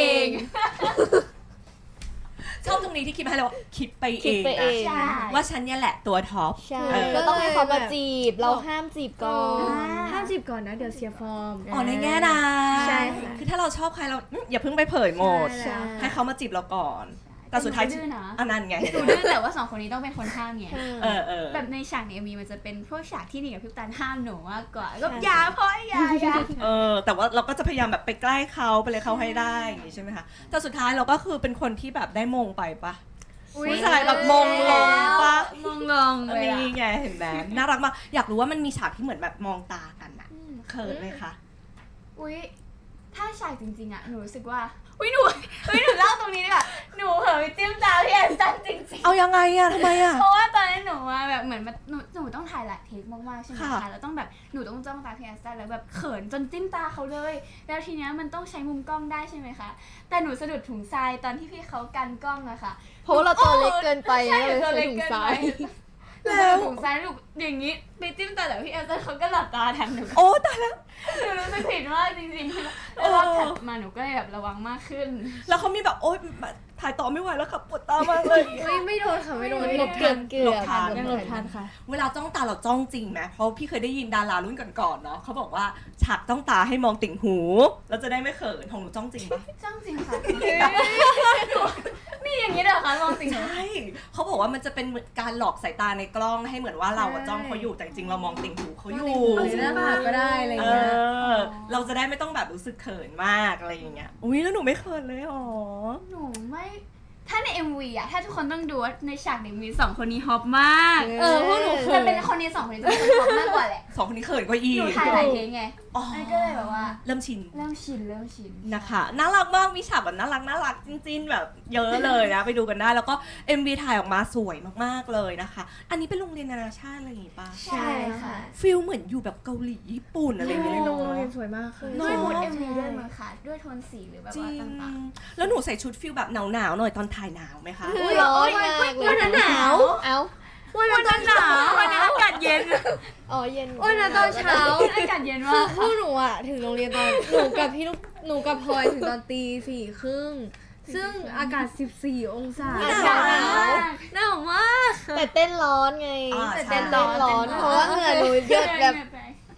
[SPEAKER 1] ชอบตรงนี้ที่คิดมาให้เราว่าคิดไปเอ
[SPEAKER 4] คิด
[SPEAKER 1] ง
[SPEAKER 4] ไปเอ
[SPEAKER 1] นะ
[SPEAKER 4] ง
[SPEAKER 3] ใช่
[SPEAKER 1] ว่าฉันเนี่ยแหละตัวท็อป
[SPEAKER 4] ใช่
[SPEAKER 1] เออ
[SPEAKER 4] ก็ต้องให้เขามาจีบ เราห้ามจีบก่อน
[SPEAKER 2] ห้ามจีบก่อนนะ เดี๋ยวเสียฟอร์ม
[SPEAKER 1] อ๋อในแง่นะ
[SPEAKER 4] ใช่ค่ะ
[SPEAKER 1] คือถ้าเราชอบใครเราอืมอย่าเพิ่งไปเผยหมด
[SPEAKER 2] ใช่
[SPEAKER 1] ให้เขามาจีบเราก่อน แต่สุดท้าย
[SPEAKER 3] ดื้อนะ
[SPEAKER 1] อันนั้นไง
[SPEAKER 3] หนูดื้อแต่ว่าสองคนนี้ต้องเป็นคนห้ามไง
[SPEAKER 1] เออเออ
[SPEAKER 3] แบบในฉากในเอ็มวีมันจะเป็นพวกฉากที่หนีกับพี่ตันห้ามหนูมากกว่าก็อย่าพ่อยอย่าอย่า
[SPEAKER 1] เออแต่ว่าเราก็จะพยายามแบบไปใกล้เขาไปเลยเขาให้ได้อย่างงี้ใช่ไหมคะแต่สุดท้ายเราก็คือเป็นคนที่แบบได้มงไปปะผู้ชายแบบมงลงปะ
[SPEAKER 3] มองลงเลยอะ
[SPEAKER 1] นี่ไงเห็นไหมน่ารักมากอยากรู้ว่ามันมีฉากที่เหมือนแบบมองตากันอะเขินไหมคะ
[SPEAKER 3] อุ้ยถ้าฉากจริงๆอะหนูรู้สึกว่าอุ้ยหนูอุ้ยหนูเล่าตรงนี้ดีกว่าหนูเผลอไปจิ้มตาพี่แอนตันจริง
[SPEAKER 1] เอายังไงอะทำไมอะ
[SPEAKER 3] ๆเพราะว่าตอนนั้นหนูอะแบบเหมือนมันหนูหนูต้องถ่ายหลายเทคมากๆใช่ไหม
[SPEAKER 1] ค่ะ
[SPEAKER 3] คะแล้วต้องแบบหนูต้องจ้องตาพี่แอนตันแล้วแบบเขินจนจิ้มตาเขาเลย แล้วทีเนี้ยมันต้องใช้มุมกล้องได้ใช่ไหมคะแต่หนูสะดุดถุงทรายตอนที่พี่เขากันกล้องอะค่ะ
[SPEAKER 4] เพราะว่าเราตัวเล็กเกินไป
[SPEAKER 3] ใช่
[SPEAKER 4] เลย
[SPEAKER 3] ตัว
[SPEAKER 4] ใส่
[SPEAKER 3] เล็ก
[SPEAKER 4] ถุง
[SPEAKER 3] เกิน
[SPEAKER 4] ซ้า
[SPEAKER 3] ไป
[SPEAKER 4] ย
[SPEAKER 3] แล้วถุงซ้ายลูกอย่างนี้ไปจิ้มตาแต่พี่แอนตันเขาก็หลับตาแทนหนู
[SPEAKER 1] โอ้ตายแล้ว
[SPEAKER 3] หนูรู้สึกผิดมากจริงๆแล้วรอบถัดมาหนูก็เลยแบบระวังมากขึ้น
[SPEAKER 1] แล้วเขามีแบบโอ๊ยถ่ายต่อไม่ไหวแล้วค่ะปวดตามากเลย
[SPEAKER 2] ไม่ไม่โดนค่ะไม่โดน
[SPEAKER 3] ไม่
[SPEAKER 2] ห
[SPEAKER 3] โด
[SPEAKER 2] ล
[SPEAKER 3] น
[SPEAKER 2] บ
[SPEAKER 4] เกื
[SPEAKER 2] ทั
[SPEAKER 4] อน บเกื
[SPEAKER 1] หล
[SPEAKER 4] อ
[SPEAKER 1] บบ ทัน
[SPEAKER 2] ยังหลบทันค่ะ
[SPEAKER 1] เวลาจ้องตาเราจ้องจริงไหมเพราะพี่เคยได้ยินดารารุ่นก่อนๆเนาะเขาบอกว่าฉากจ้องตาให้มองติ่งหูแล้วจะได้ไม่เขินของหนูจ้องจริงปะ
[SPEAKER 3] จ้องจริงค่ะหนูมีอย่างนี้เด้อคะมองจริงเหรอ
[SPEAKER 1] ใช่เขาบอกว่ามันจะเป็นเหมือนการหลอกสายตาในกล้องให้เหมือนว่าเราอะจ้องเขาอยู่แต่จริงๆเรามองติ่งหูเขาอยู่
[SPEAKER 2] เอาหน้าผากก็ได้อะไร
[SPEAKER 1] เอ
[SPEAKER 2] เงี้ย
[SPEAKER 1] อเราจะได้ไม่ต้องแบบรู้สึกเขินมากอะไรอย่างเงี้ยอุ้ยแล้วหนูไม่เขินเลยหรอ
[SPEAKER 3] หนูไม่ถ้าใน เอ็ม วีอะถ้าทุกคนต้องดูว่าในฉากใน เอ็ม วีสองคนนี้ฮอปมาก
[SPEAKER 2] เออพวกหนูเขิ
[SPEAKER 3] จะ
[SPEAKER 2] น
[SPEAKER 3] เป็นคนนี้สองคนนี้จะเป็นคนฮอปมากกว่าแหละ
[SPEAKER 1] สองคนนี้เขินกว่าอี
[SPEAKER 3] หนู
[SPEAKER 1] ก
[SPEAKER 3] ถ่ายหลายเทคไง
[SPEAKER 1] อ๋อ
[SPEAKER 3] อันนก็เลยแบบว่า
[SPEAKER 1] เริ่มชิน
[SPEAKER 3] เริ่มชินเริ่มชิน
[SPEAKER 1] นะคะน่ารักมากมีฉากแบบน่ารักน่ารักจริงๆแบบเยอะเลยนะ ไปดูกันได้แล้วก็ เอ็ม วี ถ่ายออกมาสวยมากๆเลยนะคะ อันนี้เป็นโรงเรียนนานาชาติอะไรอย่างงี้ป่ะ
[SPEAKER 3] ใช่ค่ะ
[SPEAKER 1] ฟิลเหมือนอยู่แบบเกาหลีญี่ปุ่นอะไรอย่างเงี้ยเลย
[SPEAKER 2] โร
[SPEAKER 1] เนาะ
[SPEAKER 2] งเรียนสวยมากค่ะ
[SPEAKER 3] ด้วยมูด
[SPEAKER 2] ใช่
[SPEAKER 3] เอ็ม วีด้วยมั้งค่ะด้วยโทนสีหรือแบบ
[SPEAKER 1] จริ
[SPEAKER 3] ว่าง ต่าง
[SPEAKER 1] แล้วหนูใส่ชุดฟิลแบบหนาวๆหน่อยตอนถ่ายหนาวไหมคะ
[SPEAKER 4] อุ๊ยร้อนมากเลย
[SPEAKER 2] วันนั้นหนาว
[SPEAKER 4] เอ้า
[SPEAKER 2] วันนั้นหนาว
[SPEAKER 3] ๆวันนี้อากาศเย็น
[SPEAKER 4] อ๋อเย็น
[SPEAKER 2] วันนั้นตอนเช้า
[SPEAKER 3] อากาศเย็น
[SPEAKER 2] คื
[SPEAKER 3] มา
[SPEAKER 2] อก พวกหนูอะถึงโรงเรียนตอนหนูกับพี่ลูกหนูกับพลอยถึงตอนตีสี่ครึ่งซึ่งอากาศสิบสี่องศา
[SPEAKER 1] หนาว
[SPEAKER 2] หนาวมาก
[SPEAKER 4] แต่เต้นร้อนไง
[SPEAKER 1] อ่า
[SPEAKER 4] แต่
[SPEAKER 1] ใช่
[SPEAKER 4] เต้นร้อนร้อนเพราะว่าเหงื่อหนูเยอะแบบ
[SPEAKER 1] พ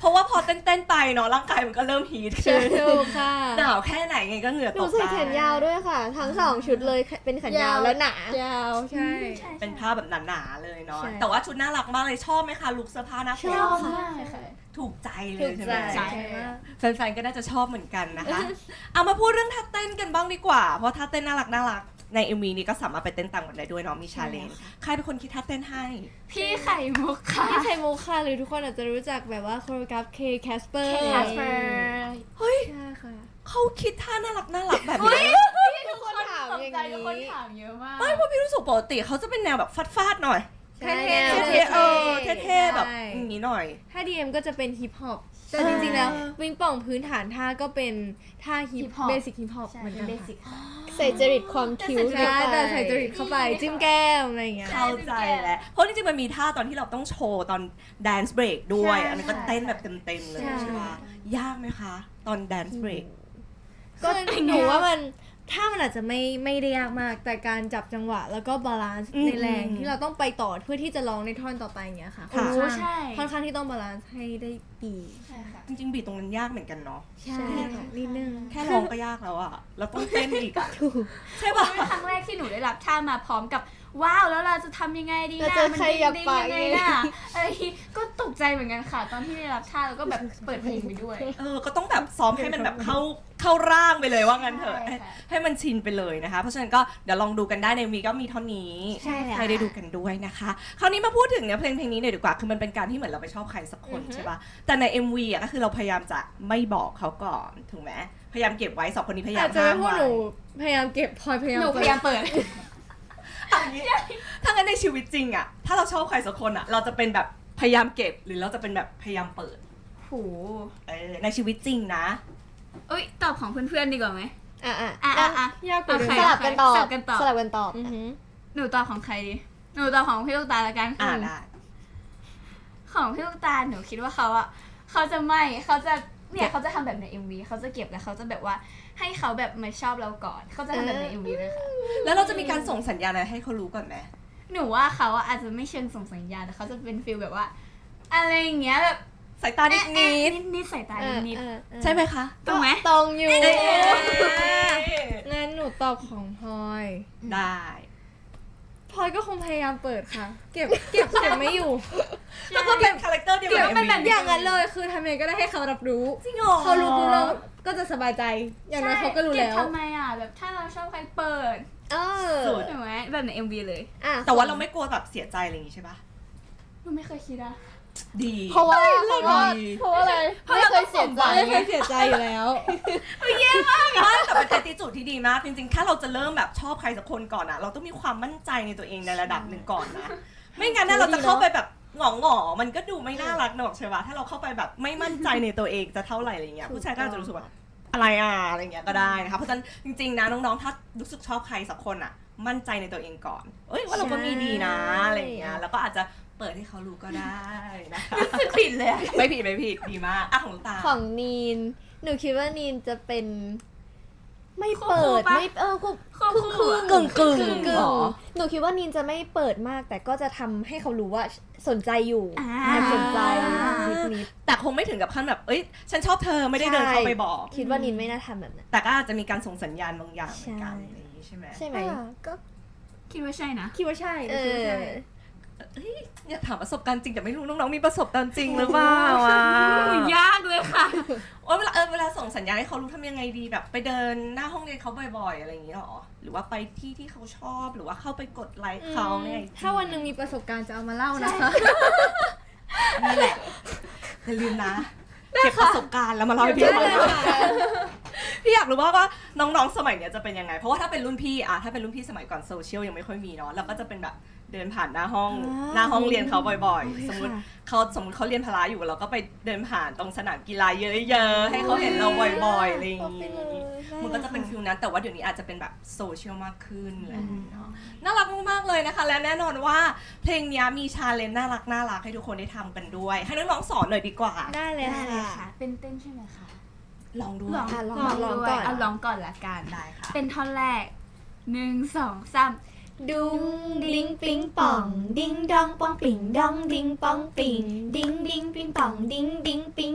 [SPEAKER 1] ราะว่าพอเต้นๆไปเนาะร่างกายมันก็เริ่มฮีท
[SPEAKER 2] ใช่
[SPEAKER 1] ขึ้น
[SPEAKER 2] ถูกค่ะ
[SPEAKER 1] หนาวแค่ไหนไงก็เหงื่อ
[SPEAKER 4] ห
[SPEAKER 1] ต
[SPEAKER 4] นู
[SPEAKER 1] ก
[SPEAKER 4] ใส่
[SPEAKER 1] ได้
[SPEAKER 4] แขนยาวด้วยค่ะ ทั้งสองชุดเลยเป็นแขนยาวและหนา
[SPEAKER 2] ยาวใช่
[SPEAKER 1] เป็นผ้าแบบหนาๆเลยเนาะ
[SPEAKER 2] ใช่
[SPEAKER 1] แต่ว่าชุดน่ารักมากเลยชอบไหมคะลุคเสื้อผ้าหน้า
[SPEAKER 4] ช
[SPEAKER 1] ผม
[SPEAKER 4] อบ
[SPEAKER 3] มากเลยค่ะ
[SPEAKER 1] ถูกใจเล
[SPEAKER 2] ถู
[SPEAKER 1] ย
[SPEAKER 2] ก
[SPEAKER 1] ใช่
[SPEAKER 2] ใจ
[SPEAKER 1] ไหม
[SPEAKER 3] ใช่
[SPEAKER 1] แฟนๆก็น่าจะชอบเหมือนกันนะคะ เอามาพูดเรื่องท่าเต้นกันบ้างดีกว่า เพราะท่าเต้นน่ารักน่ารักใน เอ็ม วี นี้ก็สามารถไปเต้นตามกันได้ด้วยเนาะมีชาเลนจ์ใครเป็นคนคิดท่าเต้นให้
[SPEAKER 3] พี่ไข่มุกค่ะ
[SPEAKER 2] พี่ไข่มุกค่ะหรือทุกคนอาจจะรู้จักแบบว่าโคโรกราฟเคแคสเปอร์
[SPEAKER 3] เค Casper
[SPEAKER 1] เฮ้ย
[SPEAKER 2] ใช่ค่ะ
[SPEAKER 1] เขาคิดท่าน่ารักน่ารักแบบนี้
[SPEAKER 3] ทุกคนถามอย่างนี้ทุกคนถามเยอะมาก
[SPEAKER 1] ไม่เพราะพี่รู้สึกปกติเขาจะเป็นแนวแบบฟาดๆหน่อย
[SPEAKER 2] ใช่
[SPEAKER 1] เท่ๆเออเท่ๆแบบอย่างนี้หน่อย
[SPEAKER 2] ถ้า ดี เอ็ม ก็จะเป็นฮิปฮอปแต่จริงๆแล้ววิงป่องพื้นฐานท่าก็เป็นท่าฮิป
[SPEAKER 3] Hip hop
[SPEAKER 2] เบสิกฮิปฮอป
[SPEAKER 3] ใช่
[SPEAKER 2] เหมือน
[SPEAKER 3] เป็
[SPEAKER 2] กัน น
[SPEAKER 3] เบ
[SPEAKER 2] ค่ะ
[SPEAKER 3] สิกค่ะ
[SPEAKER 4] ใส่จริตความคิ้ว
[SPEAKER 2] ใช่
[SPEAKER 4] เข้าไป
[SPEAKER 2] แต่ใส่จริตเข้าไปจิ้มแก้มอะไรอย่างเงี้ย
[SPEAKER 1] เข้าใจแล้ว เพราะจริงๆมันมีท่าตอนที่เราต้องโชว์ตอน dance break ด้วย
[SPEAKER 2] ใช่
[SPEAKER 1] อันนี้ก็เต้นแบบเต็มๆเลย
[SPEAKER 2] ใช่
[SPEAKER 1] ใช่ปะยากไหมคะ ตอน dance break
[SPEAKER 2] ก็หนูว่ามันถ้ามันอาจจะไม่ไม่ได้ยากมาก แต่การจับจังหวะแล้วก็บาลานซ์
[SPEAKER 1] อืม
[SPEAKER 2] ในแรง
[SPEAKER 1] อืม
[SPEAKER 2] ที่เราต้องไปต่อเพื่อที่จะร้องในท่อนต่อไปอย่างเงี้ยค่ะ
[SPEAKER 1] ค่ะ
[SPEAKER 2] ค่อนข้าง
[SPEAKER 3] ใช่
[SPEAKER 2] ค่อนข้างที่ต้องบาลานซ์ให้ได้ดี
[SPEAKER 3] ใช่ค่ะ
[SPEAKER 1] จริงๆบีทตรงนั้นยากเหมือนกันเนาะ
[SPEAKER 2] ใช่ค่ะนิดนึง
[SPEAKER 1] แค่ร้องก็ยากแล้วอะเราต้องเต้นอีกอะ
[SPEAKER 2] ถูก
[SPEAKER 1] ใช่ปะ
[SPEAKER 3] เป็นครั้งแรกที่หนูได้รับท่ามาพร้อมกับว้าวแล้วเราจะทำยังไงดี
[SPEAKER 4] เรา
[SPEAKER 3] นะ
[SPEAKER 4] จะ
[SPEAKER 3] มัน
[SPEAKER 4] ขยับ
[SPEAKER 3] ดิ้ง
[SPEAKER 4] ปาก
[SPEAKER 3] ยังไงนะอะไรก็ตกใจเหมือนกันค่ะ ตอนที่ได้รับท่าแล้วก็แบบเปิดเพลงไปด้วย
[SPEAKER 1] เออ ก็ต้องแบบซ้อมให้มันแบบเข้าเข้าร่างไปเลยว่างั้นเถอะ
[SPEAKER 3] ใช่
[SPEAKER 1] ให้
[SPEAKER 3] ค่ะ
[SPEAKER 1] ให้มันชินไปเลยนะคะ เพราะฉะนั้นก็เดี๋ยวลองดูกันได้ในวีก็มีเท่านี้
[SPEAKER 4] ใช่แล้ว
[SPEAKER 1] ให้ได้ดูกันด้วยนะคะ คราวนี้มาพูดถึงเนื้อเพลงเพลงนี้หน่อยดีกว่า คือมันเป็นการที่เหมือนเราไปชอบใครสักคนใช่ปะแต่ใน เอ็ม วี อ่ะก็คือเราพยายามจะไม่บอกเขาก่อนถูกไหมพยายามเก็บไว้สองคนนี้พยายา
[SPEAKER 2] อาจ
[SPEAKER 1] ม
[SPEAKER 2] จะ
[SPEAKER 1] ห้า
[SPEAKER 2] ไม่
[SPEAKER 1] ม
[SPEAKER 2] พูด
[SPEAKER 1] ไว้
[SPEAKER 2] หนูพยายามเก็บพลอยพยายาม
[SPEAKER 3] หนูพ
[SPEAKER 2] เปิด
[SPEAKER 3] ยายามเปิด
[SPEAKER 1] เอาอย่างนี้ถ้างั้นในชีวิตจริงอ่ะ ถ้าเราชอบใครสักคนอ่ะ เราจะเป็นแบบพยายามเก็บหรือเราจะเป็นแบบพยายามเปิด
[SPEAKER 3] โห
[SPEAKER 1] เออในชีวิตจริงนะ
[SPEAKER 3] เอ้ยตอบของเพื่อนๆดีกว่าไหม
[SPEAKER 4] อ่ะอ่ะ
[SPEAKER 3] อ่ะอ่ะอ่ะ
[SPEAKER 2] ยากกว่า
[SPEAKER 3] โอ
[SPEAKER 2] เดิ
[SPEAKER 3] เค
[SPEAKER 2] ม
[SPEAKER 4] สลับกันตอบ
[SPEAKER 3] สลับกันตอบ
[SPEAKER 4] สลับกันตอบ
[SPEAKER 2] อือหือ
[SPEAKER 3] หนูตอบของใครดี หนูตอบของพี่ลูกตาละกัน
[SPEAKER 1] อ่าได้
[SPEAKER 3] ของพี่ลูกตาหนูคิดว่าเขาอะเขาจะไม่เขาจะเนี่ยเขาจะทำแบบใน เอ็ม วี เขาจะเก็บแล้วเขาจะแบบว่าให้เขาแบบมาชอบเราก่อน เขาจะทำแบบใน เอ็ม วี เลยค่ะ
[SPEAKER 1] แล้วเราจะมีการส่งสัญญาณอะไรให้เขารู้ก่อนไหม
[SPEAKER 3] หนูว่าเขาอะอาจจะไม่เชิงส่งสัญญาณแต่เขาจะเป็นฟีลแบบว่า อะไรอย่างเงี้ยแบบ
[SPEAKER 1] สายตานิดนิด
[SPEAKER 3] นิดนิดสายตา
[SPEAKER 4] เออ
[SPEAKER 3] นิด
[SPEAKER 4] เออเออ
[SPEAKER 1] ใช่ไหมคะ
[SPEAKER 3] ถูกไหม
[SPEAKER 4] ตรงอยู่
[SPEAKER 1] เอ้ย
[SPEAKER 2] งั้นหนูตอบของพลอย
[SPEAKER 1] ได้
[SPEAKER 2] พลอยก็คงพยายามเปิดค่ะ เก็บเก็บเก็บไม่อยู่
[SPEAKER 1] แล้วก็เป็นคาแรคเตอร์เดียว
[SPEAKER 2] เก็
[SPEAKER 1] กั
[SPEAKER 2] บบ เป็นแบบ
[SPEAKER 1] เอ็มวี
[SPEAKER 2] อย่างนั้นเลยคือทำยังไงก็ได้ให้เขารับรู้
[SPEAKER 1] จริงเหรอ
[SPEAKER 2] เขารู้ปุ๊บเราก็จะสบายใจ อย่างนั้นเขาก็รู้แล้ว
[SPEAKER 3] เบทำไมอะแบบถ้าเราชอบใครเปิด
[SPEAKER 4] เออ
[SPEAKER 1] สุด
[SPEAKER 3] ถูกไหมแบบใน เอ็ม วี เลย
[SPEAKER 4] อ่ะ
[SPEAKER 1] แต่ว่าเราไม่กลัวแบบเสียใจอะไรอย่างงี้ใช่ปะ
[SPEAKER 3] หนูไม่เคยคิดอะ
[SPEAKER 1] ดี
[SPEAKER 4] เพราะว่าเพราะว่า
[SPEAKER 1] ดี
[SPEAKER 4] เพราะว่าอะไรไม่เคยเสียใจ
[SPEAKER 2] ไม่เคยเสียใจอยู่แล้ว
[SPEAKER 1] ไม่แต่เป็น attitude ที่ดีมาก จริงๆ ถ้าเราจะเริ่มแบบชอบใครสักคนก่อนอะเราต้องมีความมั่นใจในตัวเองในระดับหนึ่งก่อนนะ ไม่งั้นน่ะเราจะเข้าไปแบบหงอหงอๆมันก็ดูไม่น่ารักหนอกใช่ปะถ้าเราเข้าไปแบบไม่มั่นใจในตัวเองจะเท่าไหร่อะไรเงี้ย ผู้ชายก็อาจจะรู้สึกว่าอะไรอ่ะอะไรเงี้ยก็ได้นะคะ เพราะฉะนั้นจริงๆ นะน้องๆ ถ้ารู้สึกชอบใครสักคนอะมั่นใจในตัวเองก่อน เอ้ยว่าเราก็มีดีนะอะไรเงี้ย แล้วก็อาจจะเปิดให้เขารู้ก็ได้นะคะ
[SPEAKER 3] รู้สึกผิดเลยอะ
[SPEAKER 1] ไม่ผิดไม่ผิดดีมากอ่ะของลูกตา
[SPEAKER 4] ของนีน หนูคิดว่านีนจะเป็น ไม่เปิด
[SPEAKER 3] คู่ๆปะ
[SPEAKER 4] ไม่เออคู่
[SPEAKER 3] คู่
[SPEAKER 4] ครึ่ง
[SPEAKER 3] คู่
[SPEAKER 4] ครึ่ง
[SPEAKER 3] อะ
[SPEAKER 1] กึ่งๆ
[SPEAKER 4] กึ่ง
[SPEAKER 1] หรอ
[SPEAKER 4] หนูคิดว่านีนจะไม่เปิดมาก แต่ก็จะทำให้เขารู้ว่าสนใจอยู่
[SPEAKER 3] อ่า
[SPEAKER 4] แอบสนใจนิดนิด
[SPEAKER 1] แต่คงไม่ถึงกับขั้นแบบ เอ้ย ฉันชอบเธอไม่ได้เดินเข้าไปบอก
[SPEAKER 4] ๆคิดว่านีนไม่น่าทำแบบนั้น
[SPEAKER 1] แต่ก็อาจจะมีการส่งสัญญาณบางอย่างเหมือนกัน
[SPEAKER 4] ใช่
[SPEAKER 1] อะไรอย่างนี้ใช่ไหม
[SPEAKER 4] ใช่ไหม
[SPEAKER 2] ก็
[SPEAKER 3] คิดว่าใช่นะ
[SPEAKER 2] คิดว่าใช่
[SPEAKER 4] เอ
[SPEAKER 2] คิดว่า
[SPEAKER 4] อ
[SPEAKER 2] ใช่
[SPEAKER 1] อยากถามประสบการณ์จริงแต่ไม่รู้น้องๆมีประสบการณ์จริงหรือเปล่าอ่ะ
[SPEAKER 3] ยากเลยค่ะ
[SPEAKER 1] ว่าเวลาเออเวลาส่งสัญญาณให้เขารู้ทำยังไงดีแบบไปเดินหน้าห้องเรียนเขาบ่อยๆอะไรอย่างนี้หรอ หรือว่าไปที่ที่เขาชอบหรือว่าเข้าไปกดไลค์เขาเนี่ย
[SPEAKER 2] ถ้าวันหนึ่งมีประสบการณ์จะเอามาเล่านะคะ
[SPEAKER 1] นี่แหละอย่าลืมนะเก็บประสบการณ์แล้วมาเล่าให้พี่ฟังพี่อยากรู้ว่าว่าน้องๆสมัยเนี้ยจะเป็นยังไง เพราะว่าถ้าเป็นรุ่นพี่อะถ้าเป็นรุ่นพี่สมัยก่อนโซเชียลยังไม่ค่อยมีเนาะเราก็จะเป็นแบบเดินผ่านหน้าห้อง
[SPEAKER 2] อ่า
[SPEAKER 1] หน้าห้องเรียนเขาบ่อย
[SPEAKER 2] โอ้ย
[SPEAKER 1] ๆ สมมติ
[SPEAKER 2] ค่ะ
[SPEAKER 1] เขาสมมติเขาเรียนพละอยู่เราก็ไปเดินผ่านตรงสนามกีฬาเยอะๆให้เขาเห็นเราบ่อยๆอะไรอย่าง
[SPEAKER 4] เอาไป
[SPEAKER 1] งี้
[SPEAKER 4] เลย
[SPEAKER 1] มันก็จะเป็นฟิลนั้นแต่ว่าเดี๋ยวนี้อาจจะเป็นแบบโซเชียลมากขึ้นอะไรอย่างเลยเนาะน่ารักมากๆเลยนะคะ และแน่นอนว่าเพลงเนี้ยมีชาเลนจ์น่ารักน่ารักให้ทุกคนได้ทำกันด้วย ให้น้องๆสอนหน่อยดีกว่า
[SPEAKER 2] ได้เลย
[SPEAKER 3] ได้เลย
[SPEAKER 2] ค่ะ
[SPEAKER 3] ค่ะ เป็นเต้นใช่ไหมคะ
[SPEAKER 1] ลองดู
[SPEAKER 3] ลอง
[SPEAKER 4] อ่ะลอง
[SPEAKER 3] ลอง
[SPEAKER 4] ลอง
[SPEAKER 3] ด้วย
[SPEAKER 4] ก่อน
[SPEAKER 3] เอาลองก่อนละกัน
[SPEAKER 1] ได้ค่ะ
[SPEAKER 3] เป็นท่อนแรกหนึ่งสองสาม
[SPEAKER 4] ดุงดิ้งปิงป่อง ดิ้งดองปองปิงดองดิ้งปองปิงดิ้งดิ้งปิงป่องดิ้งดิ้งปิง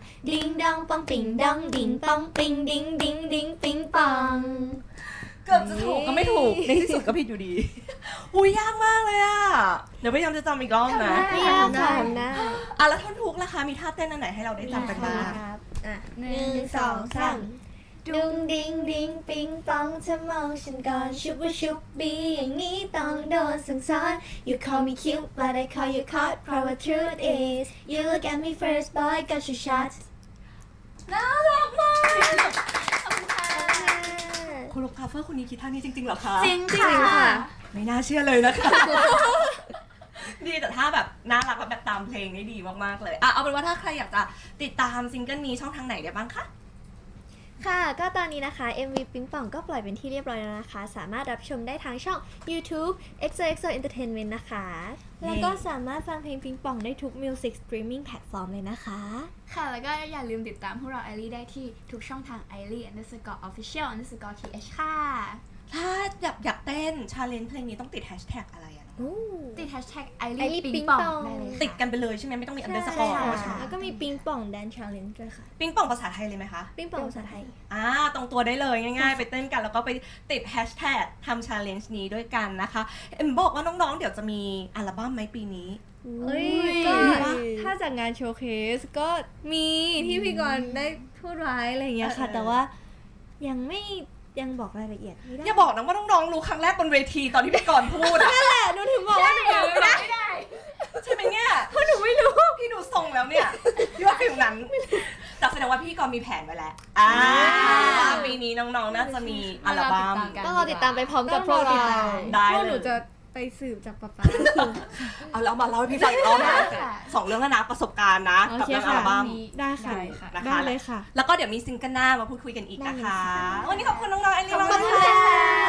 [SPEAKER 4] Ding dong pong ding dong ding pong ping ding ding ding ping pong
[SPEAKER 1] เกือบจะถูกก็ไม่ถูก ในที่สุดก็ผิดอยู่ดี อุ้ยยากมากเลยอ่ะ เดี๋ยวพยายามจะจำอีกรอบนะ
[SPEAKER 2] ไม่ยากค่ะได้
[SPEAKER 1] อ่ะแล้วท่อนทุกล่ะคะ มีท่าเต้นอันไหนให้เราได้จำกันบ้าง
[SPEAKER 4] ครับอ่ะ
[SPEAKER 3] ห
[SPEAKER 4] ห
[SPEAKER 3] นึ่
[SPEAKER 4] นึ่
[SPEAKER 3] ง
[SPEAKER 4] ง
[SPEAKER 3] ส
[SPEAKER 4] ส
[SPEAKER 3] อ
[SPEAKER 4] อง ง
[SPEAKER 3] สา
[SPEAKER 4] สาม มดุงดิงดิงปิงปองเธอมองฉันก่อนชุบว่าชุบบีอย่างนี้ต้องโดนสั่งสอน You call me cute but I call you caught เพราะว่า truth is You look at me first boy got your shot
[SPEAKER 1] น่ารักมาก
[SPEAKER 3] ขอบคุณค่ะ
[SPEAKER 1] โคโรกราฟเฟอร์คนนี้คิดท่านี้จริงๆเหรอคะ
[SPEAKER 3] จริง
[SPEAKER 2] จริ
[SPEAKER 3] ค่ะ
[SPEAKER 2] งค่ะ
[SPEAKER 1] ไม่น่าเชื่อเลยนะคะ ดีแต่ถ้าแบบน่ารักแบบตามเพลงนี่ดีมากๆเลยอ่ะเอาเป็นว่าถ้าใครอยากจะติดตามซิงเกิลนี้ช่องทางไหนได้บ้างคะ
[SPEAKER 4] ค่ะ ก็ตอนนี้นะคะ เอ็ม วี ปิงปองก็ปล่อยเป็นที่เรียบร้อยแล้วนะคะ สามารถรับชมได้ทางช่อง YouTube เอ็กโซ เอ็กโซ Entertainment นะคะ แล้วก็สามารถฟังเพลงปิงปองได้ทุก Music Streaming Platform เลยนะคะ
[SPEAKER 3] ค่ะ แล้วก็อย่าลืมติดตามพวกเราไอรีได้ที่ทุกช่องทาง ไอรี underscore official underscore th ค่ะ
[SPEAKER 1] ถ้าอยากอยากเต้นชาเลนจ์เพลงนี้ต้องติดแฮชแท็กอะไรอะเนาะ
[SPEAKER 3] ติด hashtag ไอ
[SPEAKER 4] ไอรี
[SPEAKER 3] รี
[SPEAKER 4] ปิ
[SPEAKER 3] ปิ
[SPEAKER 4] ง
[SPEAKER 3] ง
[SPEAKER 4] ป
[SPEAKER 3] ป
[SPEAKER 4] อ
[SPEAKER 3] อง งได้เลยค่ะ
[SPEAKER 1] ติดกันไปเลยใช่ไหมไม่ต้องมีอันเดอร์สกอร์
[SPEAKER 4] ใช่
[SPEAKER 1] ใช่ไหม
[SPEAKER 4] แล้วก็มีปิงปอง Dance Challenge ด้วยค่ะ
[SPEAKER 1] ปิงปองภาษาไทยเลยไหมคะ
[SPEAKER 4] ปิงปองภาษาไทย
[SPEAKER 1] อ่าตรงตัวได้เลยง่ายๆ ไปเต้นกันแล้วก็ไปติดแฮชแท็กทำชาเลนจ์นี้ด้วยกันนะคะ เอ็มบอกว่าน้องๆ เดี๋ยวจะมีอัลบั้มไหมปีนี้
[SPEAKER 2] เอ้ย
[SPEAKER 1] ก็
[SPEAKER 2] ก็ถ้าจากงานโชว์เคสก็มีที่พี่กรณ์ได้พูดไว้อะไรอย่างเงี้ยค่ะ
[SPEAKER 1] เออ
[SPEAKER 2] แต่ว่ายังไม่ยังบอกรายละเอียดไม่ได้
[SPEAKER 1] อย่าบอกนะว่าน้องๆ รู้ครั้งแรกบนเวทีตอนที่พี่กรณ์พูดอะ
[SPEAKER 2] แต่หนูถึงบอกว่าหนูยังไม่ได้
[SPEAKER 3] ไม่ได้
[SPEAKER 1] ใช่ไหมเนี่ยเพราะหนูไม่รู้ พี่ดูทรงแล้วเนี่ยพี่ว่าถึงนั้นแต่แสดงว่าพี่กรณ์มีแผนไว้แล้วอ่าว่าปีนี้น้องๆ น่าจะมีอัลบั้ม
[SPEAKER 4] ต้องรอติดตามไปพร้อมกับพวกเรา
[SPEAKER 1] ได้
[SPEAKER 2] พวก
[SPEAKER 1] เลย
[SPEAKER 2] หนูจะไปสืบจากป๊าป๊า
[SPEAKER 1] เอาแล้วมาเล่าให้พี่ฟังอีกรอบนะ
[SPEAKER 3] ค่ะ
[SPEAKER 1] สองเรื่องแล้วนะประสบการณ์นะ
[SPEAKER 2] โอ
[SPEAKER 1] กับ
[SPEAKER 2] เค
[SPEAKER 1] เรื่อง
[SPEAKER 2] ค่ะ
[SPEAKER 1] อัลบั้ม
[SPEAKER 2] ได้ค่ะ
[SPEAKER 3] ได้ค่ะ
[SPEAKER 1] นะคะ
[SPEAKER 2] ได้เลยค่ะ
[SPEAKER 1] แล้วก็เดี๋ยวมีซิงเกิลหน้ามาพูดคุยกันอีกนะคะ
[SPEAKER 4] ได้เลยค่ะ
[SPEAKER 1] วันนี้ขอบคุณน้องๆไอริน
[SPEAKER 4] ขอบ
[SPEAKER 1] มาก
[SPEAKER 4] คุณ
[SPEAKER 1] ๆ
[SPEAKER 4] ค่ะ
[SPEAKER 1] ค่ะ